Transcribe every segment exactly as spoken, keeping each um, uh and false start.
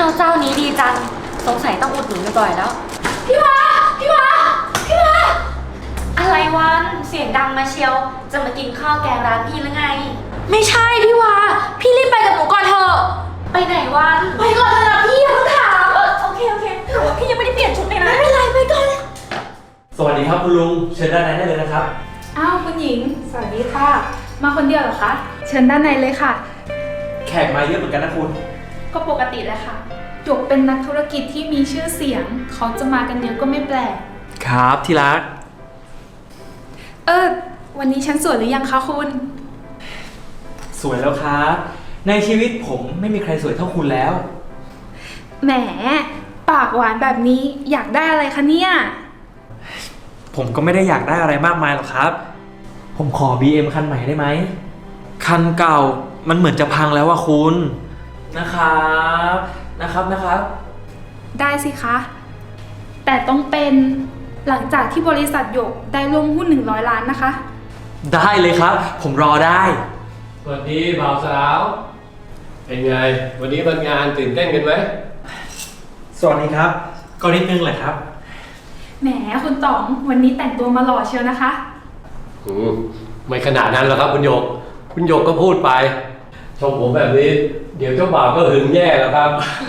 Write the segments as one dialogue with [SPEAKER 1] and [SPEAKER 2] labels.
[SPEAKER 1] าวเจ้านี้ดีจังสงสัยต้องอุดหนุนบ่อยๆแล้วพี่วาพี่วาพี่วาอะไรวันเสียงดังมาเชียวจะมากินข้าวแกงร้านพี่หรือไงไม่ใช่พี่วาพี่รีบไปกับหนูก่อนเถอะไปไหนวันไปก่อนเถอะนะพี่อย่าเพิ่งถามเออโอเคโอเคแต่ว่าพี่ยังไม่ได้เปลี่ยนชุดเลยนะไม่เป็นไรไปก่อนเลย
[SPEAKER 2] สวัสดีครับคุณลุงเชิญด้านในได้เลยนะครับ
[SPEAKER 3] อ้าวคุณหญิงสวัสดีค่ะมาคนเดียวเหรอคะเชิญด้านในเลยค่ะ
[SPEAKER 2] แขกมาเยอะเหมือนกันนะคุณ
[SPEAKER 3] ก็ปกติแหละค่ะหยกเป็นนักธุรกิจที่มีชื่อเสียงเขาจะมากันเยอะก็ไม่แปลก
[SPEAKER 2] ครับที่รัก
[SPEAKER 3] เออวันนี้ฉันสวยหรือยังคะคุณ
[SPEAKER 2] สวยแล้วครับในชีวิตผมไม่มีใครสวยเท่าคุณแล้ว
[SPEAKER 3] แหมปากหวานแบบนี้อยากได้อะไรคะเนี่ย
[SPEAKER 2] ผมก็ไม่ได้อยากได้อะไรมากมายหรอกครับผมขอ บี เอ็ม คันใหม่ได้ไหมคันเก่ามันเหมือนจะพังแล้วว่าคุณนะครับนะครับนะครับ
[SPEAKER 3] ได้สิคะแต่ต้องเป็นหลังจากที่บริษัทหยกได้ร่วมหุ้นหนึ่งร้อยล้านนะคะ
[SPEAKER 2] ได้เลยครับผมรอได้
[SPEAKER 4] สวัสดีบ่าวสาวเป็นไงวันนี้วันงานตื่นเต้นกันไหม
[SPEAKER 2] สวัสดีครับก็นิดนึงแหละครับ
[SPEAKER 3] แหมคุณต๋องวันนี้แต่งตัวมาหล่อเชียวนะคะ
[SPEAKER 4] อืมไม่ขนาดนั้นหรอกครับคุณหยกคุณหยกก็พูดไปชมผมแบบนี้เดี๋ยวเจ้าบ่าวก็หึงแย่แล้วครับ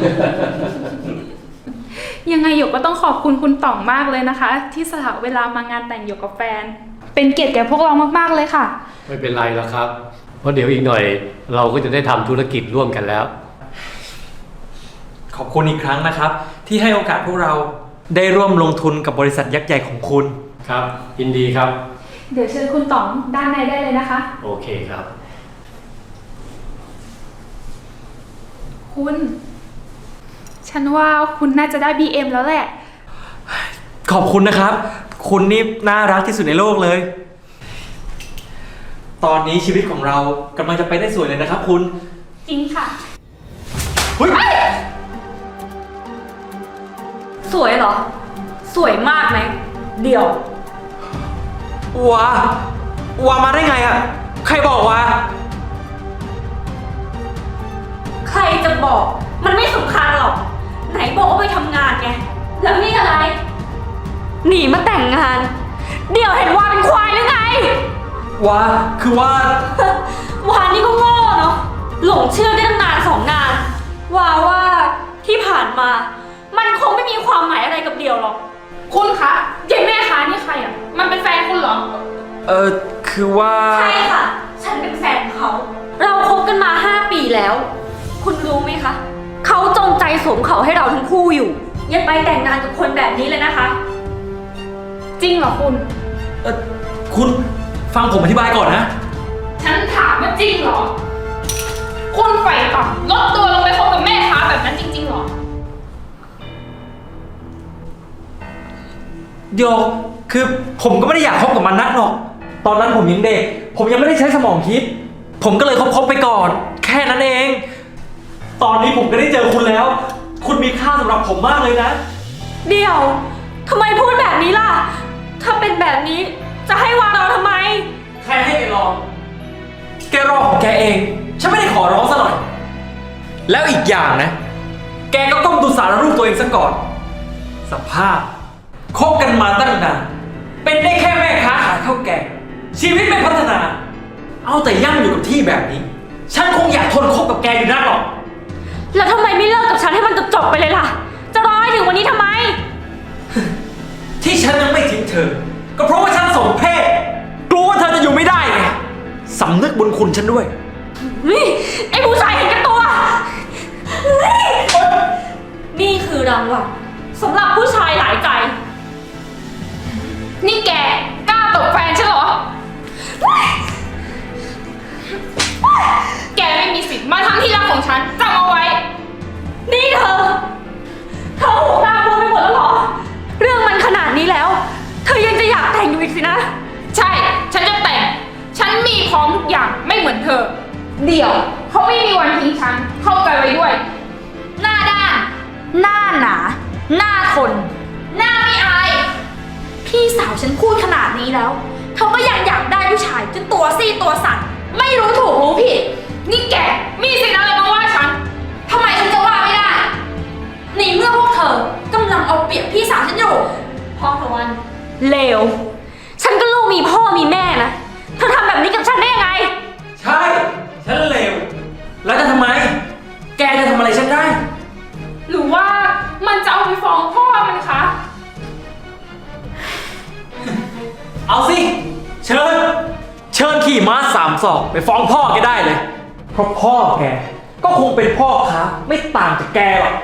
[SPEAKER 3] ยังไงหยกก็ต้องขอบคุณคุณต๋องมากเลยนะคะที่สละเวลามางานแต่งหยกกับแฟนเป็นเกียรติแก่พวกเรามากๆเลยค่ะ
[SPEAKER 4] ไม่เป็นไรแล้วครับเพราะเดี๋ยวอีกหน่อยเราก็จะได้ทำธุรกิจร่วมกันแล้ว
[SPEAKER 2] ขอบคุณอีกครั้งนะครับที่ให้โอกาสพวกเราได้ร่วมลงทุนกับบริษัทยักษ์ใหญ่ของคุณ
[SPEAKER 4] ครับยินดีครับ
[SPEAKER 3] เดี๋ยวเชิญคุณต๋องด้านในได้เลยนะคะ
[SPEAKER 4] โอเคครับ
[SPEAKER 3] คุณฉันว่าคุณน่าจะได้ บี เอ็ม แล้วแหละ
[SPEAKER 2] ขอบคุณนะครับคุณนี่น่ารักที่สุดในโลกเลยตอนนี้ชีวิตของเรากำลังจะไปได้สวยเลยนะครับคุณ
[SPEAKER 3] จริงค่ะ
[SPEAKER 2] เฮ้ย
[SPEAKER 1] สวยเหรอสวยมากไหมเดี๋ยว
[SPEAKER 2] ว้าว้ามาได้ไงอะใครบอกวะ
[SPEAKER 1] ใครจะบอกมันไม่สำคัญหรอกไหนบอกว่าไปทำงานไงแล้วนี่อะไรหนีมาแต่งงานเดี๋ยวเห็นว่าเป็นควายหรือไง
[SPEAKER 2] ว้าคือว่า
[SPEAKER 1] วานี่ก็โง่เนาะหลงเชื่อได้ตั้งนานสองนานว่าว่าที่ผ่านมามันคงไม่มีความหมายอะไรกับเดี่ยวหรอก
[SPEAKER 3] คุณคะยายแม่คะนี่ใครอ่ะมันเป็นแฟนคุณเหรอ
[SPEAKER 2] เออคือว่า
[SPEAKER 1] ใช่ค่ะฉันเป็นแฟนเขาเราคบกันมาห้าปีแล้วคุณรู้ไหมคะเขาจงใจสวมเขาให้เราทั้งคู่อยู่อย่าไปแต่งงานกับคนแบบนี้เลยนะคะ
[SPEAKER 3] จริงเหรอคุณ
[SPEAKER 2] เออคุณฟังผมอธิบายก่อนนะ
[SPEAKER 3] ฉันถามว่าจริงเหรอคุณไฟต่ำลดตัวลงไปคบกับแม่ค้าแบบนั้นจริงๆเหรอ
[SPEAKER 2] โยคือผมก็ไม่ได้อยากคบกับมันนักหรอกตอนนั้นผมยังเด็กผมยังไม่ได้ใช้สมองคิดผมก็เลยคบๆไปก่อนแค่นั้นเองตอนนี้ผมก็ได้เจอคุณแล้วคุณมีค่าสำหรับผมมากเลยนะ
[SPEAKER 1] เดี๋ยวทำไมพูดแบบนี้ล่ะถ้าเป็นแบบนี้จะให้วางเราทำไม
[SPEAKER 2] ใครให้แกรอแกรอของแกเองฉันไม่ได้ขอร้องซะหน่อยแล้วอีกอย่างนะแกก็ต้องดูสารรูปตัวเองซะก่อนสภาพคบกันมาตั้งนานเป็นได้แค่แม่ค้าขายข้าวแกงชีวิตไม่พัฒนาเอาแต่ย่ำอยู่กับที่แบบนี้ฉันคงอยากทนคบกับแกอยู่นักหรอก
[SPEAKER 1] แล้วทำไมไม่เลิกกับฉันให้มันจบๆไปเลยล่ะจะรอให้ถึงวันนี้ทำไม
[SPEAKER 2] ที่ฉันยังไม่ทิ้งเธอก็เพราะว่าฉันสมเพศกลัวว่าเธอจะอยู่ไม่ได้ไงสำนึกบุญคุณฉันด้วย
[SPEAKER 1] นี่ไอ้ผู้ชายเห็นแก่ตัวนี่คือรางวัลสำหรับผู้ชายหลายใจ
[SPEAKER 3] นี่แกกล้าตบแฟนฉันเหรอแกไม่มีสิทธิ์มาทำที่รักของฉันจำเอาไว้
[SPEAKER 1] นี่เธอเธอหูตาบวมไปหมดแล้วเหรอเรื่องมันขนาดนี้แล้วเธอยังจะอยากแต่งอยู่อีกสินะ
[SPEAKER 3] ใช่ฉันจะแต่งฉันมีพร้อมทุกอย่างไม่เหมือนเธอเดี๋ยวเขาไม่มีวันทิ้งฉันเข้าใจไว้ด้วย
[SPEAKER 1] หน้าด้านหน้าหนาหน้าทนหน้าไม่อายพี่สาวฉันพูดขนาดนี้แล้วเธอก็ยังอยากได้ผู้ชายจนตัวซี่ตัวสั่นไม่รู้ถูกรู้ผิด
[SPEAKER 3] นี่แกมีสิทธิ์อะไรมาว่าฉันทำไมฉันจะว่าไม่ได้
[SPEAKER 1] เลว ฉันก็ลูกมีพ่อมีแม่นะ เธอทำแบบนี้กับฉันได้ยังไง
[SPEAKER 2] ใช่ ฉันเลว แล้วจะทำไม แกจะทำอะไรฉันได้
[SPEAKER 3] หรือว่ามันจะเอาไปฟ้องพ่อมันคะ
[SPEAKER 2] เอาสิ เชิญ เชิญขี่ม้าสามศอกไปฟ้องพ่อแกได้เลย เพราะพ่อแกก็คงเป็นพ่อค้าไม่ต่างจากแกหรอก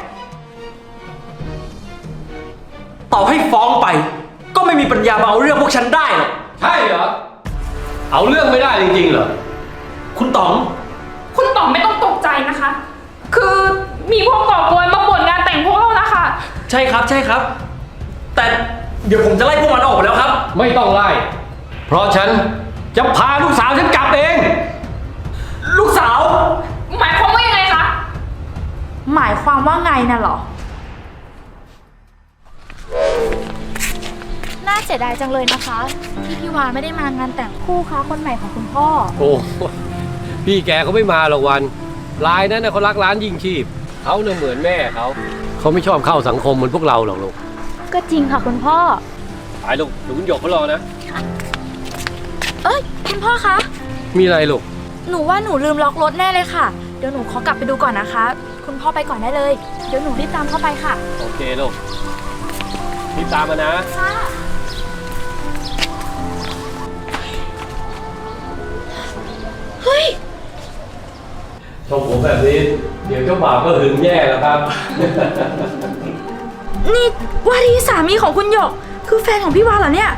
[SPEAKER 2] ต่อให้ฟ้องไป ก็ไม่มีปัญญามาเอาเรื่องพวกฉันได้หรอก
[SPEAKER 4] ใช่เหรอ เอาเรื่องไม่ได้จริงๆเหรอ
[SPEAKER 2] คุณต๋อง
[SPEAKER 3] คุณต่อไม่ต้องตกใจนะคะ คือมีพวกก่อกวนมาบ่นงานแต่งพวกเรานะคะ
[SPEAKER 2] ใช่ครับ ใช่ครับ แต่เดี๋ยวผมจะไล่พวกมันออกไปแล้วครับ
[SPEAKER 4] ไม่ต้องไล่ เพราะฉันจะพาลูกสาวฉันกลับเอง
[SPEAKER 2] ลูกสาว
[SPEAKER 3] หมายความว่ายังไงคะ
[SPEAKER 1] หมายความว่าไงน่ะเหรอ
[SPEAKER 5] น่าเสียดายจังเลยนะคะที่พี่วาไม่ได้มางานแต่งคู่ค้าคนใหม่ของคุณพ่อ
[SPEAKER 4] โอ้พี่แกเขาไม่มาหรอกวันรายนั้นนะเขารักร้านยิ่งชีพเขาเนี่ยเหมือนแม่เขาเขาไม่ชอบเข้าสังคมเหมือนพวกเราหรอกลูก
[SPEAKER 5] ก็จริงค่ะคุณพ่อ
[SPEAKER 4] ไปลูกหนูคุณหยกเขารอนะ
[SPEAKER 5] เอ้ยคุณพ่อคะ
[SPEAKER 4] มีอะไรลูก
[SPEAKER 5] หนูว่าหนูลืมล็อกรถแน่เลยค่ะ เดี๋ยวหนูขอกลับไปดูก่อนนะคะ คุณพ่อไปก่อนได้เลย เดี๋ยวหนูรีบตามเข้าไปค่ะ
[SPEAKER 4] โอเคลูกรีบตามมานะ
[SPEAKER 5] ค่ะ เฮ้ย
[SPEAKER 4] ชมผมแบบนี้ เดี๋ยวเจ้าบ่าวก็หึงแย่แล้วครับ
[SPEAKER 5] นี่ว่าที่สามีของคุณหยก คือแฟนของพี่วาเหรอเนี่ย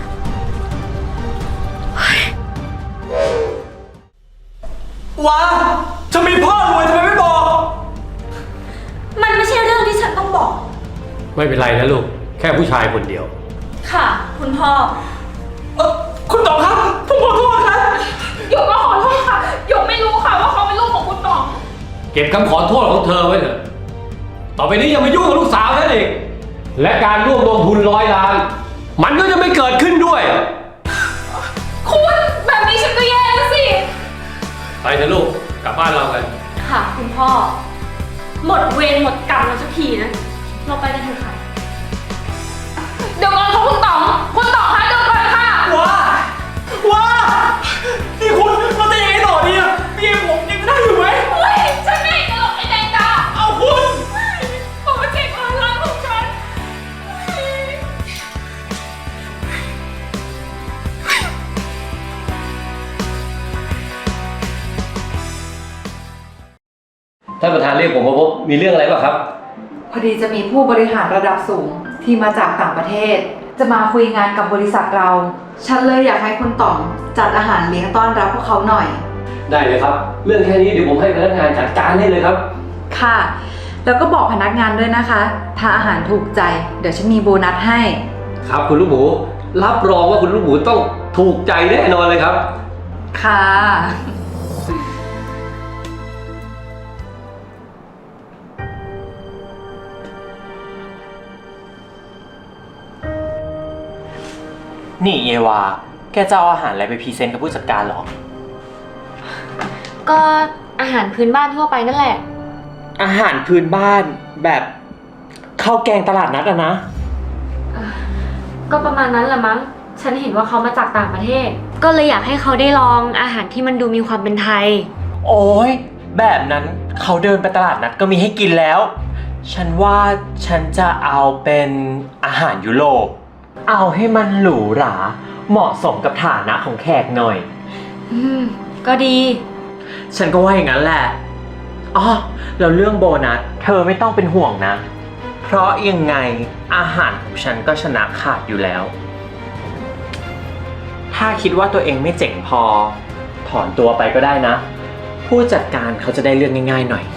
[SPEAKER 2] ว้าจะมีพ่อรวยทำไมไม่บอก
[SPEAKER 1] มันไม่ใช่เรื่องที่ฉันต้องบอก
[SPEAKER 4] ไม่เป็นไรนะลูก แค่ผู้ชายคนเดียว
[SPEAKER 1] ค่ะ คุณพ่อ
[SPEAKER 2] เออคุณต๋องครับ ผมขอโทษครับ
[SPEAKER 3] หยกก็ขอโทษค่ะ หยกไม่รู้ค่ะว่าเขาเป็นลูกของคุณต่อง
[SPEAKER 4] เก็บคำขอโทษของเธอไว้เถอะ ต่อไปนี้อย่ามายุ่งกับลูกสาวฉันอีก และการร่วมลงทุนร้อยล้าน มันก็จะไม่เกิดขึ้นด้วย
[SPEAKER 3] คุณแบบนี้ฉันก็แย่แล้วสิ
[SPEAKER 4] ไปเถอะลูก กลับบ้านเรากัน
[SPEAKER 1] ค่ะ คุณพ่อ หมดเวรหมดกรรมแล้วสักทีนะ เราไปกันเถอะค่ะ
[SPEAKER 3] เดี๋ยวก่อนค่ะคุณต่อง คุณต่องคะเดี๋ยวก่อนค่ะ
[SPEAKER 2] ว้า ว้า นี่คุณเราจะยังไงต่อดีอะพี่เอ็มผมยังได้อยู่ไหม
[SPEAKER 3] เฮ้ย ฉันไม่จะหลบไอ้แดงดา
[SPEAKER 2] เอาคุณ
[SPEAKER 3] โปรเจกต์ออนไลน์ของฉัน
[SPEAKER 4] ท่านประธานเรียกผมมาพบมีเรื่องอะไรบ้างครับ
[SPEAKER 6] พอดีจะมีผู้บริหารระดับสูงที่มาจากต่างประเทศ จะมาคุยงานกับบริษัทเรา ฉันเลยอยากให้คุณต่องจัดอาหารเลี้ยงต้อนรับพวกเขาหน่อย
[SPEAKER 4] ได้เลยครับ เรื่องแค่นี้เดี๋ยวผมให้พนักงานจัดการให้เลยครับ
[SPEAKER 6] ค่ะ แล้วก็บอกพนักงานด้วยนะคะ ถ้าอาหารถูกใจ เดี๋ยวฉันมีโบนัสให้
[SPEAKER 4] ครับคุณลูกหมู รับรองว่าคุณลูกหมูต้องถูกใจแน่นอนเลยครับ
[SPEAKER 6] ค่ะ
[SPEAKER 7] นี่เอวา แกจะเอาอาหารอะไรไปพรีเซนต์กับผู้จัดการเหรอ
[SPEAKER 1] ก็อาหารพื้นบ้านทั่วไปนั่นแหละ
[SPEAKER 7] อาหารพื้นบ้านแบบข้าวแกงตลาดนัดอะนะ
[SPEAKER 1] ก็ประมาณนั้นแหละมั้ง ฉันเห็นว่าเขามาจากต่างประเทศ ก็เลยอยากให้เขาได้ลองอาหารที่มันดูมีความเป็นไทย
[SPEAKER 7] โอ้ยแบบนั้นเขาเดินไปตลาดนัดก็มีให้กินแล้ว ฉันว่าฉันจะเอาเป็นอาหารยุโรป เอาให้มันหรูหรา เหมาะสมกับฐานะของแขกหน่อย
[SPEAKER 1] อืม ก็ดี
[SPEAKER 7] ฉันก็ว่าอย่างนั้นแหละ อ๋อ แล้วเรื่องโบนัสเธอไม่ต้องเป็นห่วงนะ เพราะยังไงอาหารของฉันก็ชนะขาดอยู่แล้ว ถ้าคิดว่าตัวเองไม่เจ๋งพอ ถอนตัวไปก็ได้นะ ผู้จัดการเขาจะได้เรื่องง่ายๆหน่อย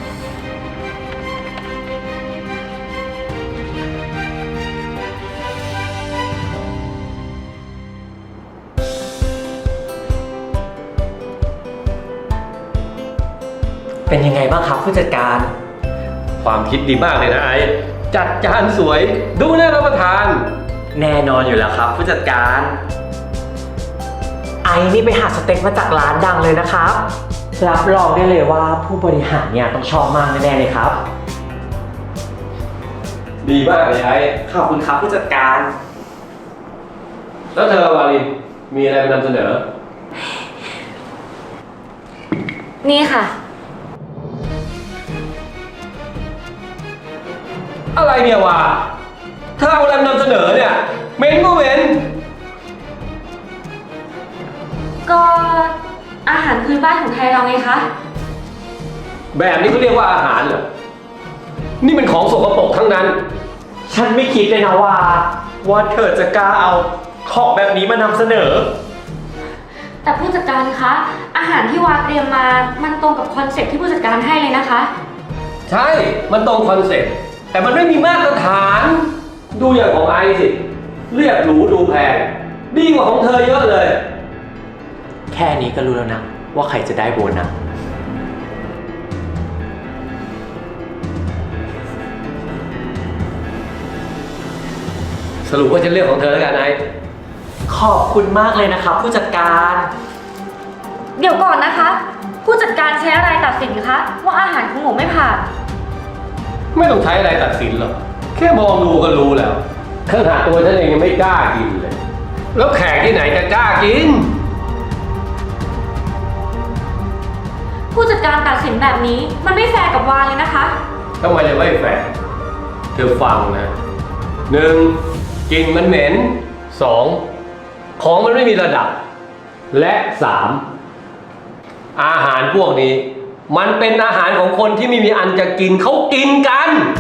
[SPEAKER 7] เป็นยังไงบ้างครับผู้จัดการ
[SPEAKER 4] ความคิดดีมากเลยนะไอ้จัดจานสวย ดูน่ารับประทาน
[SPEAKER 7] แน่นอนอยู่แล้วครับผู้จัดการ ไอ้นี่ไปหาสเต็กมาจากร้านดังเลยนะครับ รับรองได้เลยว่าผู้บริหารเนี่ยต้องชอบมากแน่ๆเลยครับ
[SPEAKER 4] ดีมากเลยไอ้
[SPEAKER 7] ขอบคุณครับผู้จัดการ
[SPEAKER 4] แล้วเธอวาลินมีอะไรมานำเสนอ
[SPEAKER 1] นี่ค่ะ
[SPEAKER 4] อะไรเนี่ยวะเธอเอาอะไรมานำเสนอเนี่ยเหม็นก็เหม็น
[SPEAKER 1] ก็อาหารพื้นบ้านของไทยเราไงคะ
[SPEAKER 4] แบบนี้เขาเรียกว่าอาหารเหรอนี่เป็นของสกปรกทั้งนั้น
[SPEAKER 7] ฉันไม่คิดเลยนะว่าว่าเธอจะกล้าเอาของแบบนี้มานำเสนอ
[SPEAKER 1] แต่ผู้จัดการคะ อาหารที่วาเตรียมมา มันตรงกับคอนเซ็ปต์ที่ผู้จัดการให้เลยนะคะ
[SPEAKER 4] ใช่ มันตรงคอนเซ็ปต์แต่มันไม่มีมาตรฐาน ดูอย่างของไอซ์สิ เรียกหรูดูแพง ดีกว่าของเธอเยอะเลย
[SPEAKER 7] แค่นี้ก็รู้แล้วนะ ว่าใครจะได้โบนัส
[SPEAKER 4] สรุปว่าจะเลือกของเธอแล้วกันไอซ์
[SPEAKER 7] ขอบคุณมากเลยนะครับผู้จัดการ
[SPEAKER 1] เดี๋ยวก่อนนะคะ ผู้จัดการใช้อะไรตัดสินคะว่าอาหารของหนูไม่ผ่าน
[SPEAKER 4] ไม่ต้องใช้อะไรตัดสินหรอก แค่มองดูก็รู้แล้วขนาดตัวฉันเองยังไม่กล้ากินเลย แล้วแขกที่ไหนจะกล้ากิน
[SPEAKER 1] ผู้จัดการตัดสินแบบนี้มันไม่แฟร์กับวาเลยนะคะ
[SPEAKER 4] ทำไมจะไม่แฟร์เธอฟังนะหนึ่งกลิ่นมันเหม็นสองของมันไม่มีระดับ และสามอาหารพวกนี้ มันเป็นอาหารของคนที่ไม่มีอันจะกินเขากินกัน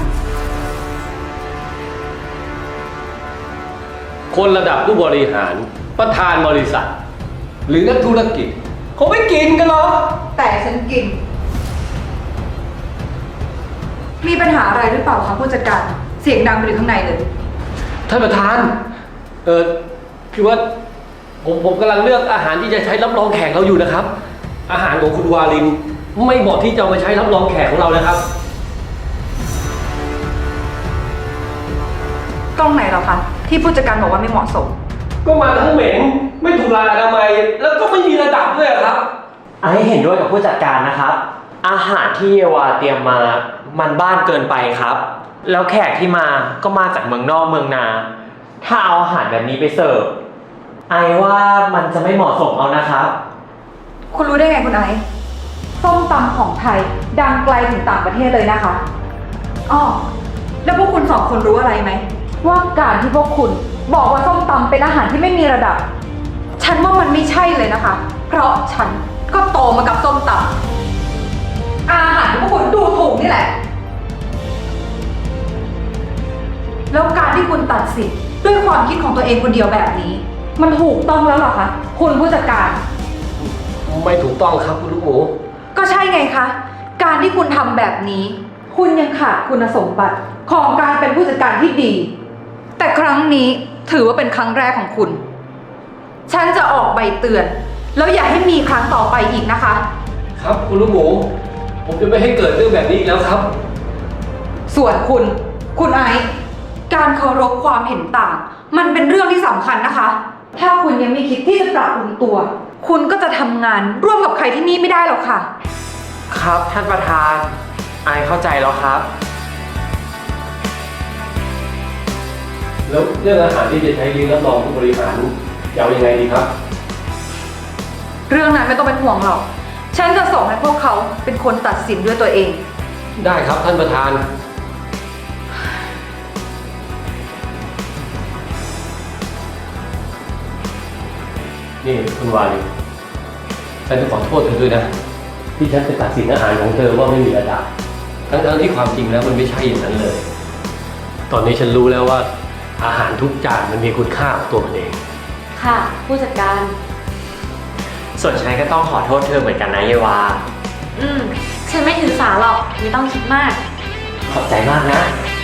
[SPEAKER 4] คนระดับผู้บริหารประธานบริษัท หรือนักธุรกิจเขาไม่กินกันหรอก
[SPEAKER 6] แต่ฉันกิน มีปัญหาอะไรหรือเปล่าคะผู้จัดการ เสียงดังไปถึงข้างในเลย
[SPEAKER 4] ท่านประธาน เออคือว่าผมผมกำลังเลือกอาหารที่จะใช้รับรองแขกเราอยู่นะครับ อาหารของคุณวาลินไม่เหมาะที่จะเอามาใช้รับรองแขกของเรานะครับ
[SPEAKER 6] ตรงไหนเหรอคะ ที่ผู้จัดการบอกว่าไม่เหมาะสม
[SPEAKER 4] ก็มาทั้งเหม็นไม่ถูกหลักอนามัยแล้วก็ไม่มีระดับด้วยครับ
[SPEAKER 7] ไอ้เห็นด้วยกับผู้จัดการนะครับ อาหารที่เยวาเตรียมมา มันบ้านเกินไปครับ แล้วแขกที่มาก็มาจากเมืองนอกเมืองนา ถ้าเอาอาหารแบบนี้ไปเสิร์ฟ ไอ้ว่ามันจะไม่เหมาะสมเอานะครับ
[SPEAKER 6] คุณรู้ได้ไงคุณไอซ์ส้มตำของไทยดังไกลถึงต่างประเทศเลยนะคะอ้อแล้วพวกคุณสองคนรู้อะไรไหมว่าการที่พวกคุณบอกว่าส้มตำเป็นอาหารที่ไม่มีระดับ ฉันว่ามันไม่ใช่เลยนะคะ เพราะฉันก็โตมากับส้มตำอาหารที่พวกคุณดูถูกนี่แหละ แล้วการที่คุณตัดสินด้วยความคิดของตัวเองคนเดียวแบบนี้ มันถูกต้องแล้วเหรอคะคุณผู้จัดการ
[SPEAKER 4] ไม่ถูกต้องครับคุณลูกหมู
[SPEAKER 6] ก็ใช่ไงคะ การที่คุณทำแบบนี้ คุณยังขาดคุณสมบัติของการเป็นผู้จัดการที่ดี แต่ครั้งนี้ถือว่าเป็นครั้งแรกของคุณ ฉันจะออกใบเตือน แล้วอย่าให้มีครั้งต่อไปอีกนะคะ
[SPEAKER 4] ครับคุณลูกหมู ผมจะไม่ให้เกิดเรื่องแบบนี้อีกแล้วครับ
[SPEAKER 6] ส่วนคุณ คุณไอซ์การเคารพความเห็นต่าง มันเป็นเรื่องที่สำคัญนะคะ ถ้าคุณยังไม่คิดที่จะปรับปรุงตัว คุณก็จะทำงานร่วมกับใครที่นี่ไม่ได้หรอกค่ะ
[SPEAKER 7] ครับท่านประธาน ไอ้เข้าใจแล้วครับ
[SPEAKER 4] แล้วเรื่องอาหารที่จะใช้เลี้ยงรับรองผู้บริหารจะเอายังไงดีครับ
[SPEAKER 6] เรื่องนั้นไม่ต้องเป็นห่วงหรอก ฉันจะส่งให้พวกเขาเป็นคนตัดสินด้วยตัวเอง
[SPEAKER 4] ได้ครับท่านประธาน นี่คุณวาลีฉันจะขอโทษเธอด้วยนะ ที่ฉันจะตัดสินอาหารของเธอว่าไม่มีระดับ ทั้งๆที่ความจริงแล้วมันไม่ใช่อย่างนั้นเลย ตอนนี้ฉันรู้แล้วว่าอาหารทุกจานมันมีคุณค่าของตัวมันเอง
[SPEAKER 1] ค่ะ ผู้จัดการ
[SPEAKER 7] ส่วนฉันก็ต้องขอโทษเธอเหมือนกันนะเยวา
[SPEAKER 1] อืม ฉันไม่ถือสาหรอก ไม่ต้องคิดมาก
[SPEAKER 7] ขอบใจมากนะ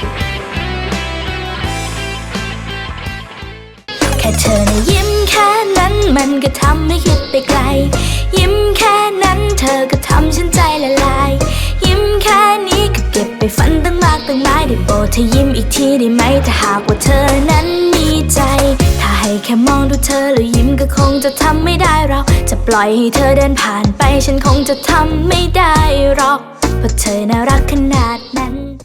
[SPEAKER 8] แค่เธอนะยิ้มแค่นั้นมันก็ทำให้คิดไปไกล ยิ้มแค่นั้นเธอก็ทำฉันใจละลาย ยิ้มแค่นี้ก็เก็บไปฝันตั้งมากตั้งหลายได้โปรดเธอยิ้มอีกทีได้ไหมถ้าหากว่าเธอนั้นมีใจ ถ้าให้แค่มองดูเธอแล้วยิ้มก็คงจะทำไม่ได้เราจะปล่อยให้เธอเดินผ่านไปฉันคงจะทำไม่ได้หรอกเพราะเธอน่ารักขนาดนั้น